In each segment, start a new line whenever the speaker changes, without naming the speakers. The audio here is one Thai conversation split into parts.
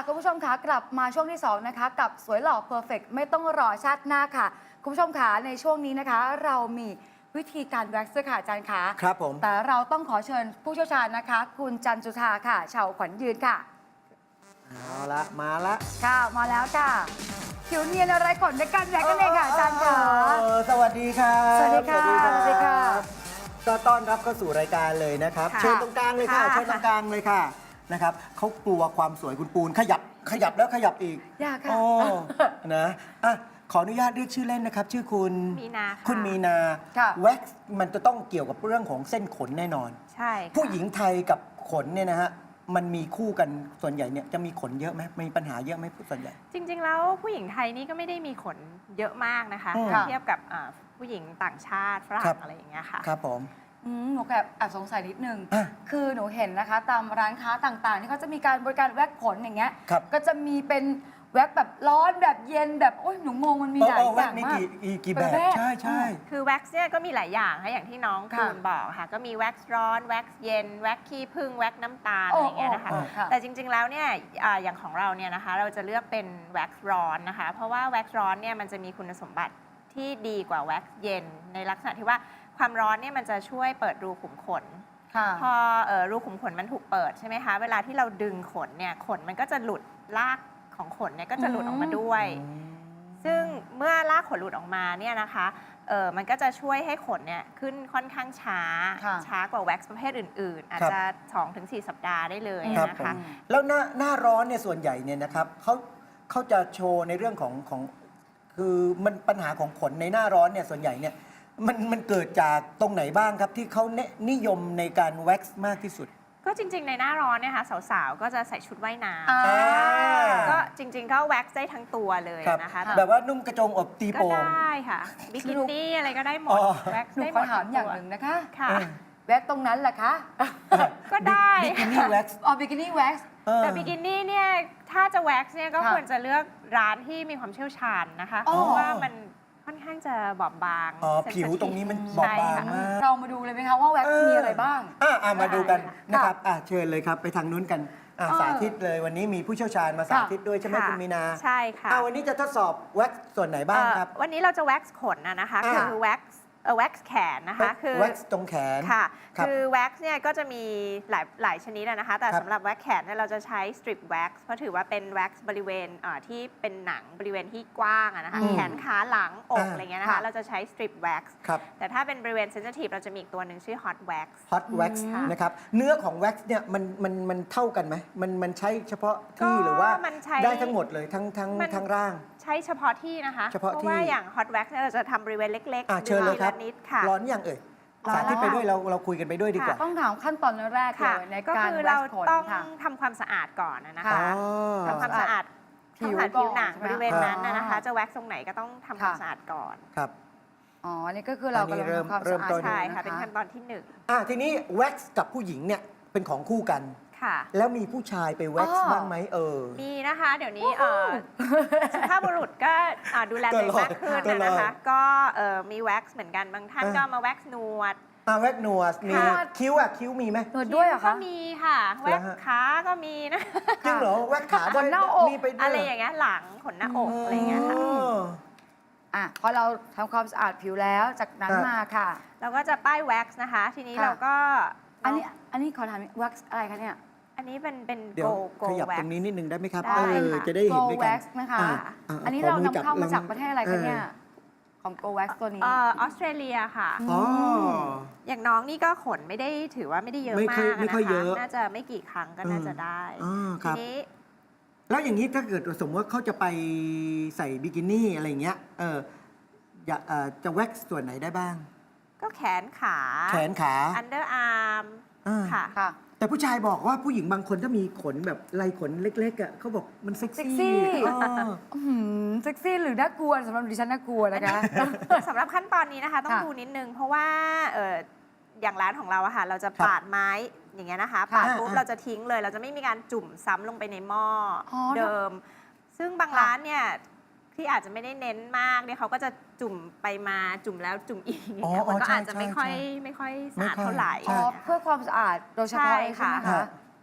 คุณผู้ชมคะกลับมาช่วงที่2นะคะกับสวยหล่อเพอร์เฟกไม่ต้องรอชาติหน้าค่ะคุณผู้ชมคะในช่วงนี้นะคะเรามีวิธีการแว็กซ์ค่ะอาจารย์คะ
ครับผม
แต่เราต้องขอเชิญผู้เชี่ยวชาญนะคะคุณจันจุธาค่ะชาวขวัญยืนค่ะ
เอาละมาละ
ค่ะมาแล้วค่ะผิวเนียนอะไรขนในการแว็กซ์กันเองค่ะอาจารย์ค่ะ
สวัสดีครับ
สวัสดีค่ะสวัสดีค่ะ
ก็ต้อนรับเข้าสู่รายการเลยนะครับเชิญตรงกลางเลยค่ะเชิญตรงกลางเลยค่ะนะครับเขากลัวความสวยคุณปูนขยับแล้วขยับอีก
อยากค่ะ
นะอ่ะขออนุญาตเรียกชื่อเล่นนะครับชื่อคุณ
มีนา
คุณมีนาแว็กซ์มันจะต้องเกี่ยวกับเรื่องของเส้นขนแน่นอน
ใช่
ผู้หญิงไทยกับขนเนี่ยนะฮะมันมีคู่กันส่วนใหญ่เนี่ยจะมีขนเยอะไหมมีปัญหาเยอะไหมส่วนใหญ่
จริงๆแล้วผู้หญิงไทยนี่ก็ไม่ได้มีขนเยอะมากนะคะเทียบกับผู้หญิงต่างชาติฝรั่งอะไรอย่างเงี้ยค่ะ
ครับผม
หนูแอบสงสัยนิดนึงคือหนูเห็นนะคะตามร้านค้าต่างๆที่เขาจะมีการบริการแว็กขนอย่างเงี้ยก็จะมีเป็นแว็กแบบร้อนแบบเย็นแบบโอ้ยหนูงงมันมีหลายอย่างมาก
กี่แบบใช่
คือแว็กซ์เนี่ยก็มีหลายอย่างค่ะอย่างที่น้องคุณบอกค่ะก็มีแว็กซ์ร้อนแว็กซ์เย็นแว็กซ์ขี้ผึ้งแว็กซ์น้ำตาลอะไรอย่างเงี้ยนะคะแต่จริงๆแล้วเนี่ยอย่างของเราเนี่ยนะคะเราจะเลือกเป็นแว็กซ์ร้อนนะคะเพราะว่าแว็กซ์ร้อนเนี่ยมันจะมีคุณสมบัติที่ดีกว่าแว็กซ์เย็นในลักษณะที่ว่าความร้อนเนี่ยมันจะช่วยเปิดรูขุมขนพอรูขุมขนมันถูกเปิดใช่ไหมคะเวลาที่เราดึงขนเนี่ยขนมันก็จะหลุดลากของขนเนี่ยก็จะหลุดออกมาด้วยซึ่งเมื่อลากขนหลุดออกมาเนี่ยนะคะมันก็จะช่วยให้ขนเนี่ยขึ้นค่อนข้างช้ากว่าแว็กซ์ประเภทอื่นๆอาจจะ 2-4 สัปดาห์ได้เลยนะคะ
แล้วหน้าร้อนเนี่ยส่วนใหญ่เนี่ยนะครับเขาจะโชว์ในเรื่องของคือมันปัญหาของขนในหน้าร้อนเนี่ยส่วนใหญ่เนี่ยมันเกิดจากตรงไหนบ้างครับที่เขานิยมในการแว็กซ์มากที่สุด
ก็จริงๆในหน้าร้อนเนี่ยค่ะสาวๆก็จะใส่ชุดว่ายน้ำก็จริงๆก็แว็กซ์ได้ทั้งตัวเลยนะคะ
แบบว่านุ่มกระโจงอบตีโป่ง
ก็ได้ค่ะบิกินี่อะไรก็ได้หมดแว็กซ์ได้หมด
ถามอย่างหนึ่งนะคะ
ค่ะ
แว็กซ์ตรงนั้นแหละคะ
ก็ได้
บิกินี่แว็กซ์
บิกินี่แว็กซ์
แต่บิกินี่เนี่ยถ้าจะแว็กซ์เนี่ยก็ควรจะเลือกร้านที่มีความเชี่ยวชาญนะคะเพราะว่ามันค่อนข้างจะบอบบาง
ผิวตรงนี้มันบอบบางมาก
เรามาดูเลยไหมคะว่าแว็กซ์มีอะไรบ้าง
มาดูกันนะครับเชิญเลยครับไปทางนู้นกันสาธิตเลยวันนี้มีผู้เชี่ยวชาญมาสาธิตด้วยใช่ไหมคุณมีนา
ใช่ค่ะ
วันนี้จะทดสอบแว็กซ์ส่วนไหนบ้างครับ
วันนี้เราจะแว็กซ์ขนนะคะคือแว็กซ์แขนนะคะ
คือแว็กซ์ตรงแขน
ค่ะคือแว็กซ์เนี่ยก็จะมีหลายชนิดนะคะแต่สำหรับแว็กซ์แขนเนี่ยเราจะใช้สตริปแว็กซ์เพราะถือว่าเป็นแว็กซ์บริเวณที่เป็นหนังบริเวณที่กว้างนะคะแขนขาหลังอกอะไรเงี้ยนะคะเราจะใช้สตริปแว็กซ์แต่ถ้าเป็นบริเวณเซนซิทีฟเราจะมีอีกตัวหนึ่งชื่อฮอตแว็กซ์
นะครับเนื้อของแว็กซ์เนี่ยมันเท่ากันไหมมันใช้เฉพาะที่หรือว่าได้ทั้งหมดเลยทั้งร่าง
ใช้เฉพาะที่นะคะเพราะว่าอย่างฮอตแว็กซ์เราจะทำบริเวณเล็กๆ
เชิญเลยครับ
นิดค่ะ
ร้อนอย่างสาธิตไปด้วยเราคุยกันไปด้วยดีกว่า
ต้องถามขั้นตอนแรกเลยในการ
แว็กซ์ขนเราต้องทำความสะอาดก่อนนะคะทำความสะอาดผิวหนังบริเวณนั้นนะคะจะแว็กซ์ตรงไหนก็ต้องทำความสะอาดก่อน
ครับ
นี่ก็คือเรากำลังทำความสะอาด
ใช่ค่ะเป็นขั้นตอนที่
1ทีนี้แว็กซ์กับผู้หญิงเนี่ยเป็นของคู่กันแล้วมีผู้ชายไปแว็กซ์บ้างไหม
มีนะคะเดี๋ยวนี้สุภาพบุรุษก็ดูแลตัวเองมากขึ้นนะคะก็มีแว็กซ์เหมือนกันบางท่านก็มาแว็กซ์หนวด
แว็กซ์หนวดมีคิ้วคิ้วมีไหม
หนวดด้วยเหรอคะ
ก็มีค่ะแว็กซ์ขาก็มีนะ
จริงเหรอแว็กซ์ขา
ขนหน้าอก
อะไรอย่างเงี้ยหลังขนหน้าอกอะไรอย่างเงี้ยค่ะ
พอเราทำความสะอาดผิวแล้วจากนั้นมาค่ะ
เราก็จะป้ายแว็กซ์นะคะทีนี้เราก็
อันนี้ขอถามแว็กซ์อะไรคะเนี่ย
อันนี้เป็น
เดี๋ยวขยับตรงนี้นิดนึงได้ไหมครับจะได้เห็นด้วยกัน
นะคะอันนี้เรานำเข้ามาจากประเทศอะไรคะเนี่ยของ Go Wax ตัวนี้
ออสเตรเลียค่ะอย่างน้องนี่ก็ขนไม่ได้ถือว่าไม่ได้เยอะมากนะคะน่าจะไม่กี่ครั้งก็น่าจะได้ทีนี้
แล้วอย่างนี้ถ้าเกิดสมมติว่าเขาจะไปใส่บิกินี่อะไรเงี้ยจะแว็กซ์ส่วนไหนได้บ้าง
ก็แขนขา อันเดอร์อาร์มค่ะ
แต่ผู้ชายบอกว่าผู้หญิงบางคนถ้ามีขนแบบลายขนเล็กๆเขาบอกมันเซ็กซี่
เซ็กซี่หรือน่ากลัวสำหรับดิฉันน่ากลัวนะคะ
สำหรับขั้นตอนนี้นะคะต้องดูนิดนึงเพราะว่าอย่างร้านของเราอะค่ะเราจะปาดไม้อย่างเงี้ยนะคะปาดปุ๊บเราจะทิ้งเลยเราจะไม่มีการจุ่มซ้ำลงไปในหม้อเดิมซึ่งบางร้านเนี่ยที่อาจจะไม่ได้เน้นมากเนี่ยเขาก็จะจุ่มไปมาจุ่มแล้วจุ่มอีกอย่างเงี้ยมันก็อาจจะไม่ค่อยสะอาดเท่าไหร่
เพื่อความสะอาดโดยเฉพาะใช่ไหมคะ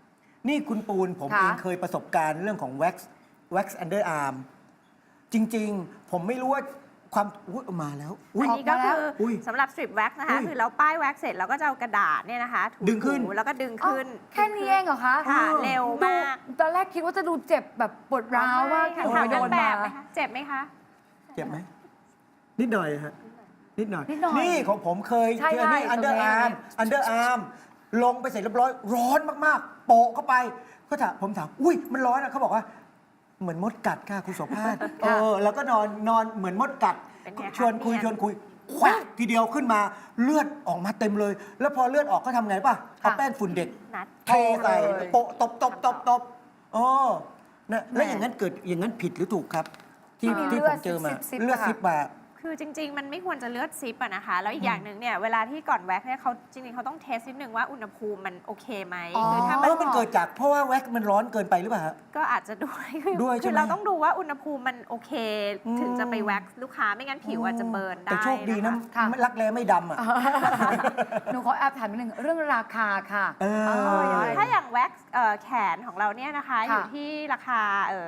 นี่คุณปูนผม
ค่ะ
เองเคยประสบการณ์เรื่องของ wax underarm จริง ๆ ผมไม่รู้ว่าความอุ๊ยมาแล้วอุ๊ย
อันนี้ก็คืออย สำหรับสตริปแว็กนะคะ
อุ้ย
คือเราป้ายแว็กเสร็จเราก็จะเอากระดาษเนี่ยนะคะถู
ดึงขึ้น
ๆแล้วก็ดึงขึ้น
แค่นี้เองเหรอคะ
ค่ะ
เออ
เร็วมาก
ตอนแรกคิดว่าจะดูเจ็บแบบปวดร้าวมาก
ค่ะ
ที่
ถาม
โด
นาง
น
แบ
มา
บไหมคะเจ็บไหมคะ
เจ็บไหมนิดหน่อยฮะนิดหน่อย
นิดหน่อย
นี่ของผมเคย
ใช่
เจอนี่
ใช่
underarm ลงไปเสร็จเรียบร้อยร้อนมากๆ โปะเข้าไปผมถามอุ้ยมันร้อนอ่ะเขาบอกว่าเหมือนมดกัดค่ะคุณโสภาสแล้วก็นอนเหมือนมดกัด
เป็นไงคะ
ชวนคุย
เนี่ย
แควกทีเดียวขึ้นมาเลือดออกมาเต็มเลย แล้วพอเลือดออกก็ทำไงป่ะเอาแป้งฝุ่นเด็ก
นัด
เทใส่
เลย
โปะตบอ๋อนะแล้วอย่างนั้นเกิดอย่างนั้นผิดหรือถูกครับ ที่
มี
ที่
เลื
ผ
อด
มเจอมา
ซิบๆ
เลือด
ค่ะ
ซิบมา
คือจริง ๆ มันไม่ควรจะเลือดซิปอะนะคะ แล้วอีกอย่างหนึ่งเนี่ยเวลาที่ก่อนแว็กเนี่ยเขาจริง ๆเขาต้องเทสนิดนึงว่าอุณหภูมิมันโอเคไหม
อ๋อ
คือถ้า
มันเกิดจากเพราะว่าแว็กซ์มันร้อนเกินไปหรือเปล่าฮะ
ก็อาจจะด้วย
ด้วยใช่
คือ
ไหม
เราต้องดูว่าอุณหภูมิมันโอเค
อืม
ถึงจะไปแว็กซ์ลูกค้าไม่งั้นผิวอาจจะเบิร์นได้
แต่โชคดีนะ
ค่ะ
ไม่รักแร้ไม่ดำอ่ะ
หนูขอแอบถามนิดนึงเรื่องราคาค่ะ
เออ
ถ้าอย่างแว็กซ์แขนของเราเนี่ยนะคะ
ค่ะ
อยู่ที่ราคา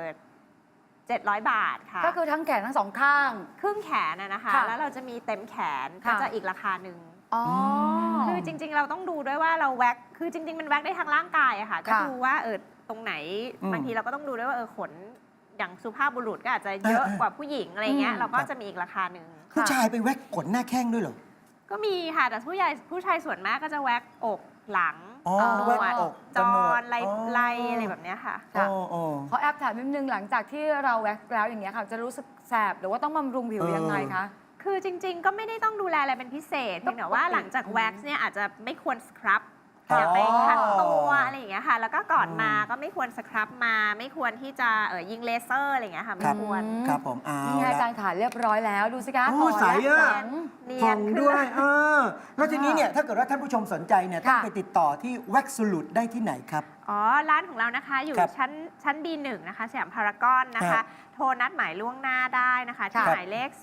700 บาทค่ะ
ก็คือทั้งแขนทั้งสองข้าง
ครึ่งแขนนะคะ
ค่ะ
แล้วเราจะมีเต็มแขน
ค่ะ
ก็จะอีกราคาหนึ่ง
อ๋อ
คือจริง ๆ เราต้องดูด้วยว่าเราแว็กคือจริง ๆ มันแว็กได้ทางร่างกายอะค่ะก็
ค่ะ
ดูว่าตรงไหน
อืม
บางทีเราก็ต้องดูด้วยว่าขนอย่างสุภาพบุรุษก็อาจจะเยอะกว่าผู้หญิงอะไรเงี้ยเราก็จะมีอีกราคาหนึ่ง
ผู้ชายไปแว็กซ์ขนหน้าแข้งด้วยเหรอ
ก็มีค่ะแต่ผู้ชายส่วนมากก็จะแว็กอกหลัง
อ๋อ
หน
แว็ก
วด
อก
จ
กับหนว
อ
ด
นไรอะไรแบบเนี้ยค่ะ
ค่ะ
อ๋อ
ขอแอบถามนิดนึงหลังจากที่เราแว็กซ์แล้วอย่างเงี้ยค่ะ จะรู้สึกแสบหรือว่าต้องบำรุงผิวยังไงคะ
คือจริง ๆ ก็ไม่ได้ต้องดูแลอะไรเป็นพิเศษเพียงแต่ว่าหลังจากแว็กซ์เนี่ยอาจจะไม่ควรสครับ
อ๋อ
อย่าไปขัดตัวอะไรอย่างเงี้ยค่ะ แล้วก็ก่อนมาก็ไม่ควรสครับมา ไม่ควรที่จะยิงเลเซอร์อะไรอย่างเงี้ยค่ะ ไม่
ครับ
ควร
ครับผมเอา
นี่ไงอาจารย์ขาเรียบร้อยแล้วดูสิคะ
โอ้
ขอ
ใส
ยัด
อะ
หลัง
เนี
ผ่
ย
อน ง
ขึ้น
ด้วยแล้วทีนี้เนี่ยถ้าเกิดว่าท่านผู้ชมสนใจเนี่ยต้อง
ค่ะ
ไปติดต่อที่แว็กซ์สูลูดได้ที่ไหนครับ
อ๋อ ร้านของเรานะคะ อยู่
ครับ
ชั้น B1 นะคะสยามพารากอนนะคะ โทรนัดหมายล่วงหน้าได้นะคะ ที่
ค่ะ
หมายเลข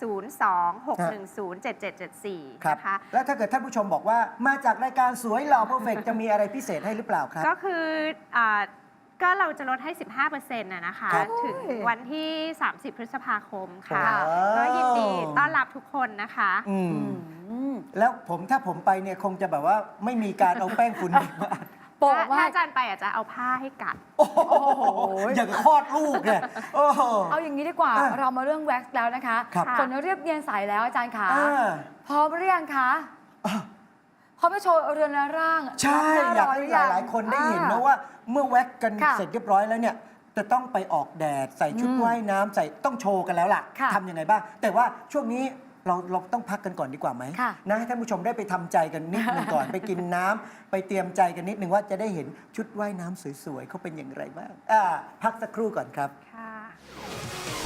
026107774
ครับ
นะคะ
แล้วถ้าเกิดท่านผู้ชมบอกว่ามาจากรายการสวยหล่อเพอร์เฟกจะมีอะไรพิเศษให้หรือเปล่าครับ
ก็คือก็เราจะลดให้ 15%นะคะ
ครับ
ถึงวันที่ 30 พฤษภาคมค่ะ
ค่ะ
ก็ยินดีต้อนรับทุกคนนะคะ
อืม
อืม
แล้วถ้าผมไปเนี่ยคงจะแบบว่าไม่มีการเอาแป้งฝุ่นเด็กมาอัด
โปะ
ถ้า
ว่า
อาจารย์ไปอาจจะเอาผ้าให้กัด
โอ้โหอย่างกับคลอดลูกเนี่ยโอ้โห
เอาอย่างนี้ดีกว่า
อ่ะ
เรามาเรื่องแว็กซ์แล้วนะคะ
ครับ
ขนเรียบเนียนใสแล้วอาจารย์ขา
อ่า
พร้อมหรือยังคะ
อ่ะ
พร้อมไปโชว์เรือนร่าง
ใช่
รับหน้
อยาก
ร้
ให้
รือยัง
หลายๆคนได้เห็นนะว่าเมื่อแว็กกัน
ค่ะ
เสร็จเรียบร้อยแล้วเนี่ยจะต้องไปออกแดดใส่ชุดว่ายน้ำใส่ต้องโชว์กันแล้วล่ะ
ค่ะ
ทำยังไงบ้าง แต่ว่าช่วงนี้เราต้องพักกันก่อนดีกว่าไหม
ค่ะ
นะให้ท่านผู้ชมได้ไปทำใจกันนิดนึงก่อน ไปกินน้ำไปเตรียมใจกันนิดนึงว่าจะได้เห็นชุดว่ายน้ำสวยๆเขาเป็นอย่างไรบ้างพักสักครู่ก่อนครับ
ค่ะ